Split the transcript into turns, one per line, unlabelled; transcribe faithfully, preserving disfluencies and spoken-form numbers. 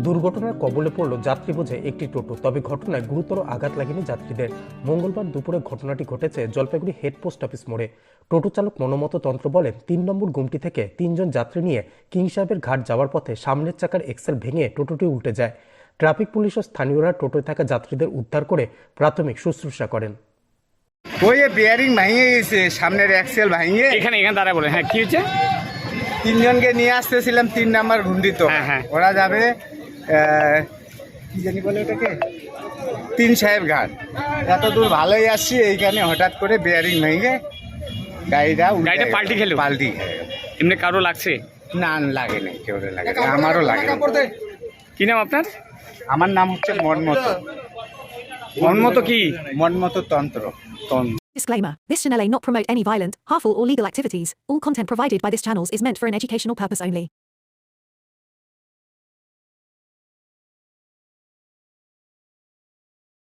দুর্ঘটনার কবলে পড়ল যাত্রী বোঝে একটি টোটো। তবে ঘটনায় গুরুতর আঘাত লাগেনি যাত্রীদের। মঙ্গলবার দুপুরে ঘটনাটি ঘটেছে জলপাইগুড়ি হেড পোস্ট অফিস মোড়ে। টোটো চালক মনোমত তন্ত্র বলেন, তিন নম্বর গুমটি থেকে তিনজন যাত্রী নিয়ে কিং সাহেবের ঘাট যাওয়ার পথে সামনের চাকার এক্সেল ভেঙে টোটোটি উল্টে যায়। ট্রাফিক পুলিশ ও স্থানীয়রা টোটোয় থাকা যাত্রীদের উদ্ধার করে প্রাথমিক শুশ্রূষা করেন।
ওই বিয়ারিং ভেঙে গেছে, সামনের এক্সেল ভেঙে
এখানে এখানে দাঁড়ায় বলে। হ্যাঁ, কি হয়েছে?
তিনজনকে নিয়ে আসতেছিলাম তিন নাম্বার ঘুন্ডি। তো
হ্যাঁ, হ্যাঁ।
ওরা যাবে আহ, কি জানি বলে ওটাকে, তিন সাহেব ঘাট। এত দূর ভালোই আসছি, এইখানে হঠাৎ করে বিয়ারিং ভেঙে গাড়িটা উল্টে
গাড়িটা
গেল।
পাল্টি খেলো?
পাল্টি খেয়ে গেল।
এমনি কারো লাগছে?
না, লাগে নেই, কেউ লাগে না, আমারও লাগে না।
কি নাম আপনার?
আমার নাম হচ্ছে মনমত।
মনমত কি?
মনমত তন্ত্র।
Disclaimer. This channel may not promote any violent, harmful or legal activities. All content provided by this channel is meant for an educational purpose only.